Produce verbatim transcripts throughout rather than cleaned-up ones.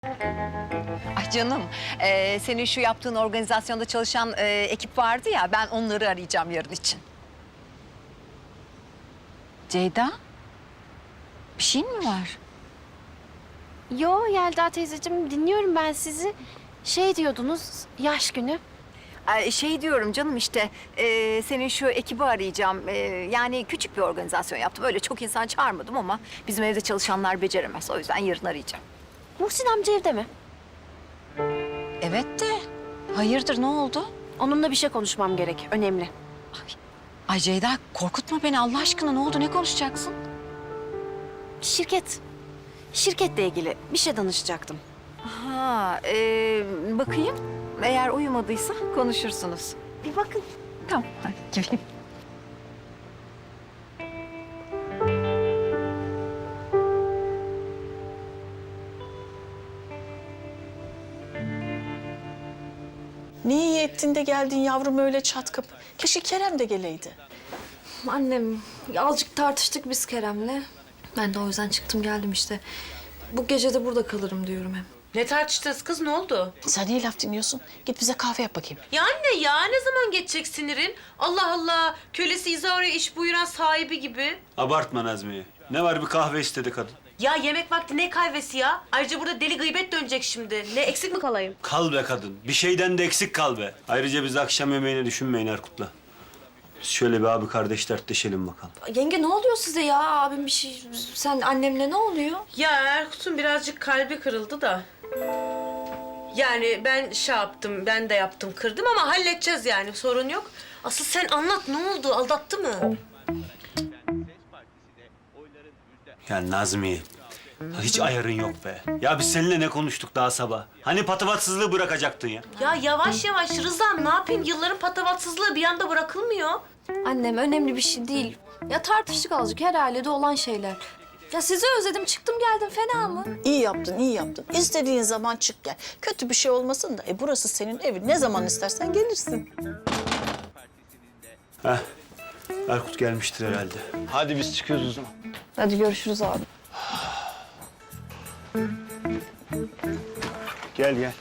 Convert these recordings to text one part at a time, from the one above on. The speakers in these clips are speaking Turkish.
Ay canım, e, senin şu yaptığın organizasyonda çalışan e, ekip vardı ya, ben onları arayacağım yarın için. Ceyda, bir şeyin mi var? Yo Yelda teyzeciğim, dinliyorum ben sizi. Şey diyordunuz, yaş günü. Ay, şey diyorum canım işte, e, senin şu ekibi arayacağım. E, yani küçük bir organizasyon yaptım. Öyle çok insan çağırmadım ama bizim evde çalışanlar beceremez. O yüzden yarın arayacağım. Muhsin amca evde mi? Evet de, hayırdır ne oldu? Onunla bir şey konuşmam gerek, önemli. Ay Ceyda, korkutma beni Allah aşkına. Ne oldu, ne konuşacaksın? Şirket, şirketle ilgili bir şey danışacaktım. Ha, e, bakayım. Eğer uyumadıysa konuşursunuz. Bir bakın. Tamam, hadi geleyim. Ne iyi ettin de geldin yavrum öyle çat kapı. Keşke Kerem de geleydi. Annem, azıcık tartıştık biz Kerem'le. Ben de o yüzden çıktım geldim işte. Bu gece de burada kalırım diyorum hem. Ne tartıştınız kız, ne oldu? Sen niye laf dinliyorsun? Git bize kahve yap bakayım. Ya anne ya, ne zaman geçecek sinirin? Allah Allah, kölesi İzaro'ya iş buyuran sahibi gibi. Abartma Nazmiye. Ne var, bir kahve istedi kadın. Ya yemek vakti ne kahvesi ya? Ayrıca burada deli gıybet dönecek şimdi. Ne, eksik mi kalayım? Kal be kadın. Bir şeyden de eksik kal be. Ayrıca biz akşam yemeğini düşünmeyin Erkut'la. Biz şöyle bir abi kardeş dertleşelim bakalım. Yenge ne oluyor size ya? Abim bir şey... Sen annemle ne oluyor? Ya Erkut'un birazcık kalbi kırıldı da. Yani ben şey yaptım, ben de yaptım, kırdım ama halledeceğiz yani, sorun yok. Asıl sen anlat, ne oldu? Aldattı mı? Ya Nazmiye, hiç ayarın yok be. Ya biz seninle ne konuştuk daha sabah? Hani patavatsızlığı bırakacaktın ya? Ya yavaş yavaş Rıza'm, ne yapayım? Yılların patavatsızlığı bir anda bırakılmıyor. Annem önemli bir şey değil. Ya tartıştık azıcık, her ailede olan şeyler. Ya sizi özledim, çıktım geldim, fena mı? İyi yaptın, iyi yaptın. İstediğin zaman çık gel. Kötü bir şey olmasın da. E burası senin evin. Ne zaman istersen gelirsin. Heh, Erkut gelmiştir herhalde. Hadi biz çıkıyoruz o zaman. Hadi görüşürüz abi. Gel gel.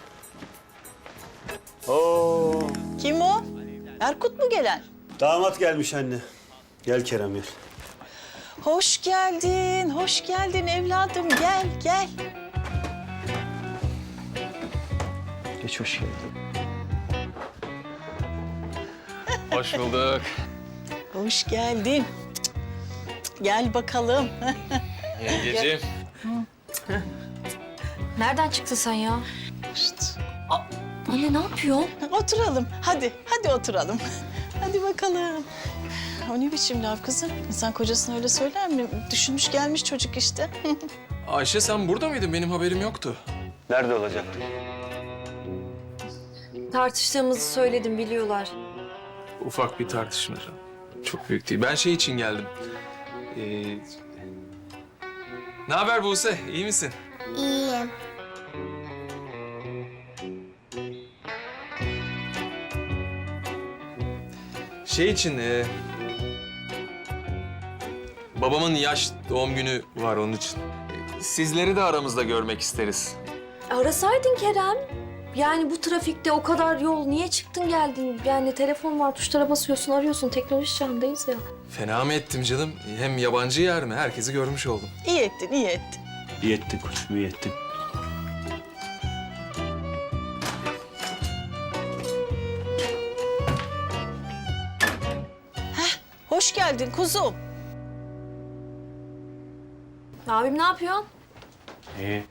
Oo, Kim o? Erkut mu gelen? damat gelmiş anne. Gel Kerem gel. Hoş geldin, hoş geldin evladım. Gel, gel. Geç, hoş geldin. Hoş bulduk. Hoş geldin. Gel bakalım. Yengeciğim. Nereden çıktın sen ya? Şşt. Anne ne yapıyorsun? Oturalım. Hadi, hadi oturalım. Hadi bakalım. O ne biçim laf kızım? İnsan kocasına öyle söyler mi? Düşünmüş gelmiş çocuk işte. Ayşe sen burada mıydın? Benim haberim yoktu. Nerede olacaktı? Tartıştığımızı söyledim, biliyorlar. Ufak bir tartışma. Çok büyük değil. Ben şey için geldim. Ee... Ne haber Buse? İyi misin? İyiyim. Şey için... E... Babamın yaş doğum günü var onun için. E, Sizleri de aramızda görmek isteriz. Arasaydın Kerem. Yani bu trafikte o kadar yol niye çıktın geldin? Yani telefon var, tuşlara basıyorsun, arıyorsun. Teknoloji çağındayız ya. Fena mı ettim canım? Hem yabancı yer mi? Herkesi görmüş oldum. İyi ettin, iyi ettin. İyi ettin koçum, iyi ettin. Hoş geldin kuzum. Abim ne yapıyor? İyi.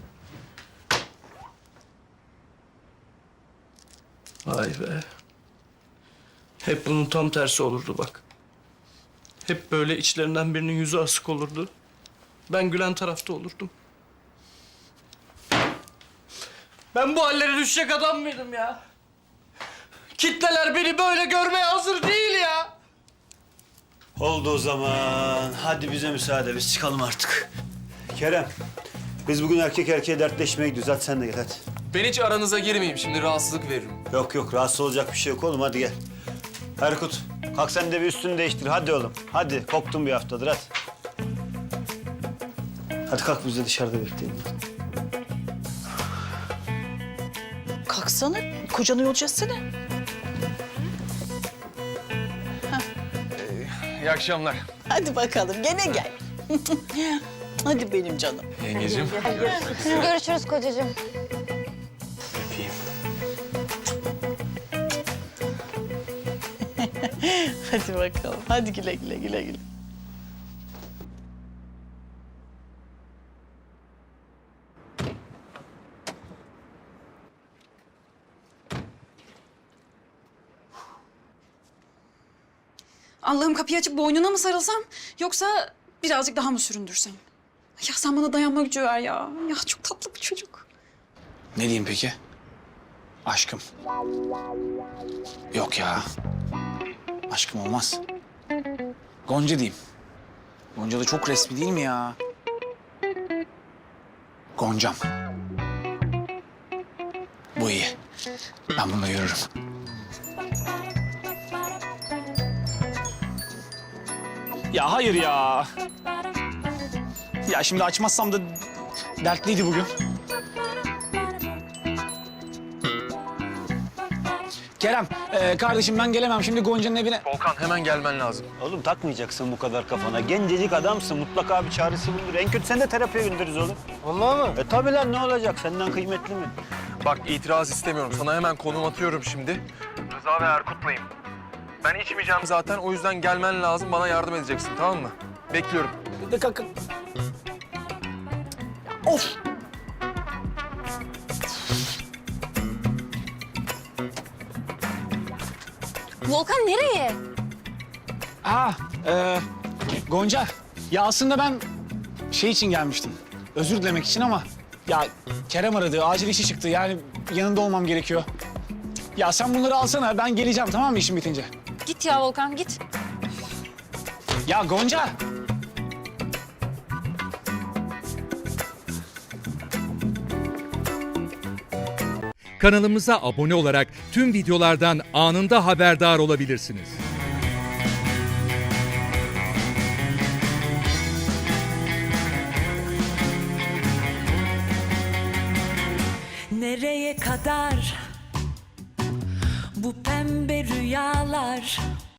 Vay be. Hep bunun tam tersi olurdu bak. Hep böyle içlerinden birinin yüzü asık olurdu. Ben gülen tarafta olurdum. Ben bu hallere düşecek adam mıydım ya? Kitleler beni böyle görmeye hazır değil ya. Oldu o zaman. Hadi bize müsaade, biz çıkalım artık. Kerem, biz bugün erkek erkeğe dertleşmeye gidiyoruz. Hadi sen de gel hadi. Ben hiç aranıza girmeyeyim. Şimdi rahatsızlık veririm. Yok yok, rahatsız olacak bir şey yok oğlum, hadi gel. Erkut, kalk sen de bir üstünü değiştir. Hadi oğlum, hadi. Koktun bir haftadır, hadi. Hadi kalk, biz de dışarıda bekleyelim. Kalksana, kocanı yolcu etsene. İyi akşamlar. Hadi bakalım, gene gel. Hadi benim canım. Yengeciğim. Görüşürüz kocacığım. Öpeyim. Hadi bakalım, hadi güle güle güle güle. Allah'ım kapıyı açıp boynuna mı sarılsam yoksa birazcık daha mı süründürsem? Ya sen bana dayanma gücü ver ya. Ya çok tatlı bir çocuk. Ne diyeyim peki? Aşkım. Yok ya. Aşkım olmaz. Gonca diyeyim. Gonca da çok resmi değil mi ya? Goncam. Bu iyi. Ben bununla yürürüm. Ya hayır ya. Ya şimdi açmazsam da dertliydi bugün. Kerem, e, kardeşim ben gelemem şimdi Gonca'nın evine. Volkan hemen gelmen lazım. Oğlum takmayacaksın bu kadar kafana. Gencecik adamsın. Mutlaka bir çaresi bulunur. En kötü sen de terapiye göndeririz oğlum. Vallahi mı? E tabii lan ne olacak? Senden kıymetli mi? Bak itiraz istemiyorum. Sana hemen konum atıyorum şimdi. Rıza ve Erkut'layım. Ben içmeyeceğim zaten. O yüzden gelmen lazım. Bana yardım edeceksin, tamam mı? Bekliyorum. De kalk. Of! Volkan nereye? Aa, e, Gonca. Ya aslında ben şey için gelmiştim. Özür dilemek için ama ya Kerem aradı. Acil işi çıktı. Yani yanında olmam gerekiyor. Ya sen bunları alsana. Ben geleceğim tamam mı işim bitince? Git ya Volkan git. Ya Gonca. Kanalımıza abone olarak tüm videolardan anında haberdar olabilirsiniz. Nereye kadar bu pembe rüyalar?